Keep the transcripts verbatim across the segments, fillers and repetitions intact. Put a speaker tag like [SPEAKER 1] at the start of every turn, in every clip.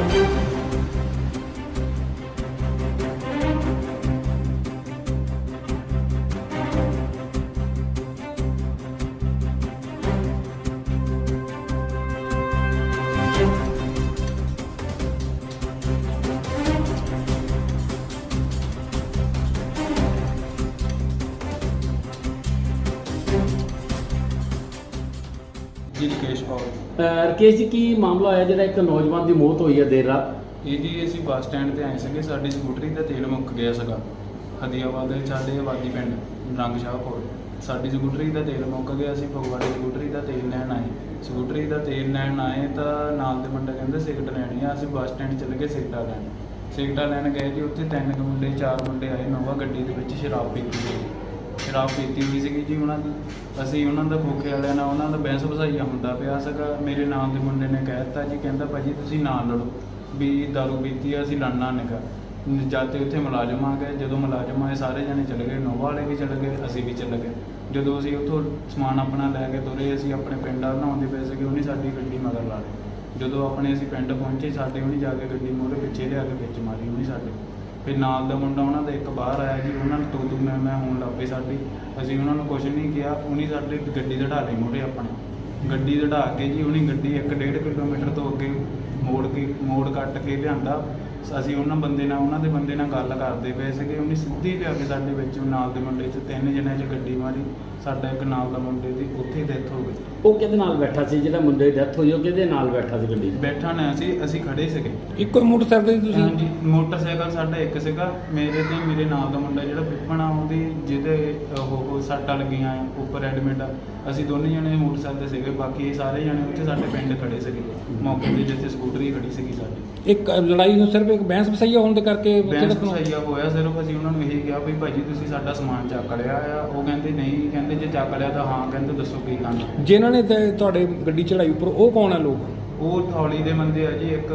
[SPEAKER 1] जी राकेश कौर।
[SPEAKER 2] ਰਕੇਸ਼ ਜੀ, ਕੀ ਮਾਮਲਾ ਹੋਇਆ ਜਿਹੜਾ ਇੱਕ ਨੌਜਵਾਨ ਦੀ ਮੌਤ ਹੋਈ ਹੈ ਦੇਰ ਰਾਤ?
[SPEAKER 1] ਇਹ ਜੀ ਅਸੀਂ ਬੱਸ ਸਟੈਂਡ ਤੇ ਆਏ ਸੀਗੇ, ਸਾਡੀ ਸਕੂਟਰੀ ਦਾ ਤੇਲ ਮੁੱਕ ਗਿਆ ਸੀਗਾ। ਹਦੀਆਬਾਦ ਦੇ ਸਾਡੇ ਆਬਾਦੀ ਪਿੰਡ ਰੰਗ ਸ਼ਾਹ ਕੋਲ ਸਾਡੀ ਸਕੂਟਰੀ ਦਾ ਤੇਲ ਮੁੱਕ ਗਿਆ। ਅਸੀਂ ਫਗਵਾੜੇ ਸਕੂਟਰੀ ਦਾ ਤੇਲ ਲੈਣ ਆਏ। ਸਕੂਟਰੀ ਦਾ ਤੇਲ ਲੈਣ ਆਏ ਤਾਂ ਨਾਲ ਦੇ ਮੁੰਡੇ ਕਹਿੰਦੇ ਸਿਗਰਟ ਲੈਣੀ ਆ। ਅਸੀਂ ਬੱਸ ਸਟੈਂਡ ਚੱਲ ਗਏ ਸਿਗਰਟਾਂ ਲੈਣ। ਸਿਗਰਟਾਂ ਲੈਣ ਗਏ ਜੀ, ਉੱਥੇ ਤਿੰਨ ਕੁ ਮੁੰਡੇ ਚਾਰ ਮੁੰਡੇ ਆਏ ਨੋਵਾ ਗੱਡੀ ਦੇ ਵਿੱਚ, ਸ਼ਰਾਬ ਪੀਤੀ ਹੋਈ ਸ਼ਰਾਬ ਪੀਤੀ ਹੋਈ ਸੀਗੀ ਜੀ ਉਹਨਾਂ ਦੀ। ਅਸੀਂ ਉਹਨਾਂ ਦਾ ਖੋਖੇ ਵਾਲਿਆਂ ਨਾਲ ਉਹਨਾਂ ਦਾ ਬਹਿਸ ਵਸਾਈਆ ਹੁੰਦਾ ਪਿਆ ਸੀਗਾ। ਮੇਰੇ ਨਾਲ ਦੇ ਮੁੰਡੇ ਨੇ ਕਹਿ ਦਿੱਤਾ ਜੀ, ਕਹਿੰਦਾ ਭਾਜੀ ਤੁਸੀਂ ਨਾ ਲੜੋ, ਵੀ ਦਾਰੂ ਪੀਤੀ ਆ, ਅਸੀਂ ਲੜਨਾ ਨਿਕਾ। ਜਦ ਤੇ ਉੱਥੇ ਮੁਲਾਜ਼ਮ ਆ ਗਏ। ਜਦੋਂ ਮੁਲਾਜ਼ਮ ਆਏ ਸਾਰੇ ਜਣੇ ਚਲੇ ਗਏ, ਨੋਵਾ ਵਾਲੇ ਵੀ ਚਲੇ ਗਏ, ਅਸੀਂ ਵੀ ਚਲੇ ਗਏ। ਜਦੋਂ ਅਸੀਂ ਉੱਥੋਂ ਸਮਾਨ ਆਪਣਾ ਲੈ ਕੇ ਤੁਰੇ, ਅਸੀਂ ਆਪਣੇ ਪਿੰਡ ਨਹਾਉਂਦੇ ਪਏ ਸੀਗੇ, ਉਹਨੇ ਸਾਡੀ ਗੱਡੀ ਮਗਰ ਲਾ ਲਈ। ਜਦੋਂ ਆਪਣੇ ਅਸੀਂ ਪਿੰਡ ਪਹੁੰਚੇ, ਸਾਡੇ ਉਹਨੇ ਜਾ ਕੇ ਗੱਡੀ ਮੋਹਰੇ ਪਿੱਛੇ ਲਿਆ ਕੇ ਵਿੱਚ ਮਾਰੀ ਉਹਨੇ ਸਾਡੇ। ਫਿਰ ਨਾਲ ਦਾ ਮੁੰਡਾ ਉਹਨਾਂ ਦਾ ਇੱਕ ਬਾਹਰ ਆਇਆ ਜੀ, ਉਹਨਾਂ ਨੂੰ ਤੂੰ ਤੂੰ ਮੈਂ ਮੈਂ ਹੋਣ ਲੱਗ ਪਈ ਸਾਡੀ। ਅਸੀਂ ਉਹਨਾਂ ਨੂੰ ਕੁਛ ਨਹੀਂ ਕਿਹਾ, ਉਹਨੇ ਸਾਡੇ ਗੱਡੀ ਦੜਾ ਲਈ ਮੋਹਰੇ ਆਪਣੇ। ਗੱਡੀ ਦੜਾ ਕੇ ਜੀ ਉਹਨੇ ਗੱਡੀ ਇੱਕ ਡੇਢ ਕਿਲੋਮੀਟਰ ਤੋਂ ਅੱਗੇ ਮੋੜ ਕੇ ਮੋੜ ਕੱਟ ਕੇ ਲਿਆਂਦਾ। ਅਸੀਂ ਉਹਨਾਂ ਬੰਦੇ ਨਾਲ ਉਹਨਾਂ ਦੇ ਬੰਦੇ ਨਾਲ ਗੱਲ ਕਰਦੇ ਪਏ ਸੀਗੇ, ਉਹਨੇ ਸਿੱਧੀ ਲਿਆ ਕੇ ਸਾਡੇ ਵਿੱਚ ਨਾਲ ਦੇ ਮੁੰਡੇ 'ਚ ਤਿੰਨ ਜਣਿਆਂ 'ਚ ਗੱਡੀ ਮਾਰੀ। ਸਾਡਾ ਇੱਕ ਨਾਲ ਦਾ ਮੁੰਡੇ ਦੀ ਉੱਥੇ ਡੈਥ ਹੋ ਗਈ।
[SPEAKER 2] ਉਹ ਕਿਹਦੇ ਨਾਲ ਬੈਠਾ ਸੀ? ਜਿਹੜਾ ਮੁੰਡੇ ਦੀ ਡੈਥ ਹੋਈ ਉਹ ਕਿਹਦੇ ਨਾਲ ਬੈਠਾ ਸੀ ਗੱਡੀ 'ਚ?
[SPEAKER 1] ਬੈਠਾ ਨਾ ਅਸੀਂ ਅਸੀਂ ਖੜੇ ਸੀਗੇ।
[SPEAKER 3] ਇੱਕੋ ਮੋਟਰਸਾਈਕਲ ਤੇ ਤੁਸੀਂ?
[SPEAKER 1] ਹਾਂਜੀ, ਮੋਟਰਸਾਈਕਲ ਸਾਡਾ ਇੱਕ ਸੀਗਾ। ਮੇਰੇ ਤੇ ਮੇਰੇ ਨਾਲ ਦਾ ਮੁੰਡਾ ਜਿਹੜਾ ਪਿੱਪਣਾ, ਉਹਦੀ ਜਿਹਦੇ ਉਹ ਸੱਟਾਂ ਲੱਗੀਆਂ ਉੱਪਰ ਐਡਮਿਟ ਆ। ਅਸੀਂ ਦੋਨੇ ਜਣੇ ਮੋਟਰਸਾਈਕਲ ਤੇ ਸੀਗੇ, ਬਾਕੀ ਇਹ ਸਾਰੇ ਜਣੇ ਉੱਥੇ ਸਾਡੇ ਪਿੰਡ ਖੜੇ ਸੀਗੇ ਮੌਕੇ 'ਤੇ, ਜਿੱਥੇ ਸਕੂਟਰੀ ਖੜੀ ਸੀਗੀ ਸਾਡੀ।
[SPEAKER 3] ਇੱਕ ਲੜਾਈ ਨੂੰ ਸਿਰਫ ਇੱਕ ਬਹਿਸ ਵਸਾਈਆ ਹੋਣ ਦੇ ਕਰਕੇ
[SPEAKER 1] ਬਹਿਸ ਵਸਾਈਆ ਹੋਇਆ ਸਿਰਫ। ਅਸੀਂ ਉਹਨਾਂ ਨੂੰ ਇਹੀ ਕਿਹਾ ਵੀ ਭਾਜੀ ਤੁਸੀਂ ਸਾਡਾ ਸਮਾਨ ਚੱਕ ਲਿਆ ਆ। ਉਹ ਕਹਿੰਦੇ ਨਹੀਂ, ਕਹਿੰਦੇ ਜੇ ਚੱਕ ਲਿਆ ਤਾਂ ਹਾਂ, ਕਹਿੰਦੇ ਦੱਸੋ ਕੀ ਕਰਨਾ।
[SPEAKER 3] ਜਿਨ੍ਹਾਂ ਨੇ ਤੇ ਤੁਹਾਡੇ ਗੱਡੀ ਚੜਾਈ ਉੱਪਰ, ਉਹ ਕੌਣ ਆ ਲੋਕ?
[SPEAKER 1] ਉਹ ਥੌਲੀ ਦੇ ਬੰਦੇ ਆ ਜੀ, ਇੱਕ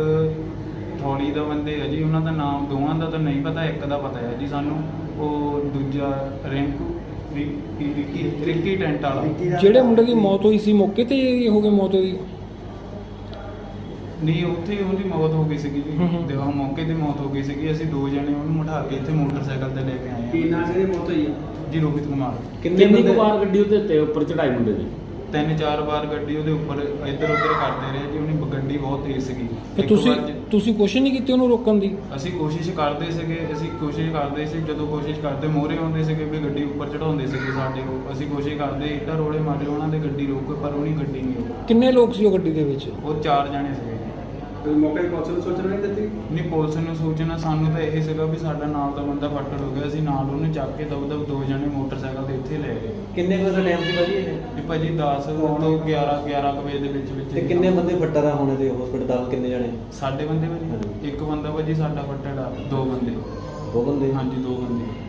[SPEAKER 1] ਥੌਲੀ ਦਾ ਬੰਦੇ ਆ ਜੀ। ਉਹਨਾਂ ਦਾ ਨਾਮ ਦੋਵਾਂ ਦਾ ਤਾਂ ਨਹੀਂ ਪਤਾ, ਇੱਕ ਦਾ ਪਤਾ ਹੈ ਜੀ ਸਾਨੂੰ। ਉਹ ਦੂਜਾ ਰਿੰਕੂ ਰਿੱਕੀ ਰਿੱਕੀ ਟੈਂਟ ਵਾਲਾ।
[SPEAKER 3] ਜਿਹੜੇ ਮੁੰਡੇ ਦੀ ਮੌਤ ਹੋਈ ਸੀ ਮੌਕੇ ਤੇ ਹੋ ਗਈ ਮੌਤ ਉਹਦੀ?
[SPEAKER 1] ਨਹੀਂ, ਉੱਥੇ ਹੀ ਉਹਦੀ ਮੌਤ ਹੋ ਗਈ ਸੀਗੀ ਜੀ। ਦੇਖੋ ਮੌਕੇ ਤੇ ਮੌਤ ਹੋ ਗਈ ਸੀਗੀ। ਅਸੀਂ ਦੋ ਜਣੇ ਉਹਨੂੰ ਉਠਾ ਕੇ ਇੱਥੇ ਮੋਟਰਸਾਈਕਲ ਤੇ ਲੈ ਕੇ ਆਏ
[SPEAKER 2] ਕੀ ਨਾਂ ਸੀ ਮੌਤ ਹੋਈ?
[SPEAKER 1] ਜੀ ਰੋਹਿਤ ਕੁਮਾਰ।
[SPEAKER 2] ਕਿੰਨੀ ਕੁ ਵਾਰ ਗੱਡੀ ਉਹਦੇ ਉੱਤੇ ਉੱਪਰ ਚੜਾਈ ਮੁੰਡੇ ਦੀ?
[SPEAKER 1] ਤਿੰਨ ਚਾਰ ਵਾਰ ਗੱਡੀ ਉਹਦੇ ਉੱਪਰ ਇੱਧਰ ਉੱਧਰ ਕਰਦੇ ਰਹੇ ਜੀ। ਉਹਨੇ ਗੱਡੀ ਬਹੁਤ ਤੇਜ਼ ਸੀਗੀ।
[SPEAKER 3] ਤੇ ਤੁਸੀਂ ਤੁਸੀਂ ਕੋਸ਼ਿਸ਼ ਨਹੀਂ ਕੀਤੀ ਉਹਨੂੰ ਰੋਕਣ ਦੀ?
[SPEAKER 1] ਅਸੀਂ ਕੋਸ਼ਿਸ਼ ਕਰਦੇ ਸੀਗੇ ਅਸੀਂ ਕੋਸ਼ਿਸ਼ ਕਰਦੇ ਸੀ ਜਦੋਂ ਕੋਸ਼ਿਸ਼ ਕਰਦੇ ਮੋਹਰੇ ਆਉਂਦੇ ਸੀਗੇ ਵੀ ਗੱਡੀ ਉੱਪਰ ਚੜਾਉਂਦੇ ਸੀਗੇ ਸਾਡੇ ਕੋਲ। ਅਸੀਂ ਕੋਸ਼ਿਸ਼ ਕਰਦੇ ਇੱਧਰ ਰੋੜੇ ਮਾਰੇ ਉਹਨਾਂ ਦੇ ਗੱਡੀ ਰੋਕੋ, ਪਰ ਉਹਨੀ ਗੱਡੀ ਨਹੀਂ ਰੋਕੀ।
[SPEAKER 3] ਕਿੰਨੇ ਲੋਕ ਸੀ ਉਹ ਗੱਡੀ ਦੇ ਵਿੱਚ?
[SPEAKER 1] ਉਹ ਚਾਰ ਜਾਣੇ ਸੀਗੇ ਜੀ।
[SPEAKER 2] ਮੌਕੇ ਤੇ ਪੁਲਿਸ ਨੂੰ ਸੂਚਨਾ ਨਹੀਂ ਦਿੱਤੀ?
[SPEAKER 1] ਨਹੀਂ, ਪੁਲਿਸ ਨੂੰ ਸੂਚਨਾ ਸਾਨੂੰ ਤਾਂ ਇਹ ਸੀਗਾ ਵੀ ਸਾਡਾ ਨਾਲ ਦਾ ਬੰਦਾ ਫੱਟੜ ਹੋ ਗਿਆ। ਅਸੀਂ ਨਾਲ ਉਹਨੂੰ ਚੱਕ ਕੇ ਦਬ ਦਬ ਦੋ ਜਣੇ ਮੋਟਰਸਾਈਕਲ ਤੇ ਇੱਥੇ ਲੈ ਗਏ।
[SPEAKER 2] ਕਿੰਨੇ ਵਜੇ ਦਾ ਟਾਈਮ ਸੀ ਭਾਜੀ ਇਹ?
[SPEAKER 1] ਵੀ ਭਾਜੀ ਦਸ ਤੋਂ ਗਿਆਰਾਂ ਗਿਆਰਾਂ ਕੁ ਵਜੇ ਦੇ ਵਿੱਚ ਵਿੱਚ।
[SPEAKER 4] ਤੇ ਕਿੰਨੇ ਬੰਦੇ ਫੱਟੜ ਆ ਹੋਣੇ ਤੇ ਹਸਪੀਟਲ ਦਾ? ਕਿੰਨੇ ਜਣੇ?
[SPEAKER 1] ਸਾਡੇ ਬੰਦੇ ਭਾਜੀ ਇੱਕ ਬੰਦਾ ਭਾਜੀ ਸਾਡਾ ਫੱਟੜ ਆ, ਦੋ ਬੰਦੇ।
[SPEAKER 4] ਦੋ ਬੰਦੇ?
[SPEAKER 1] ਹਾਂਜੀ, ਦੋ ਬੰਦੇ।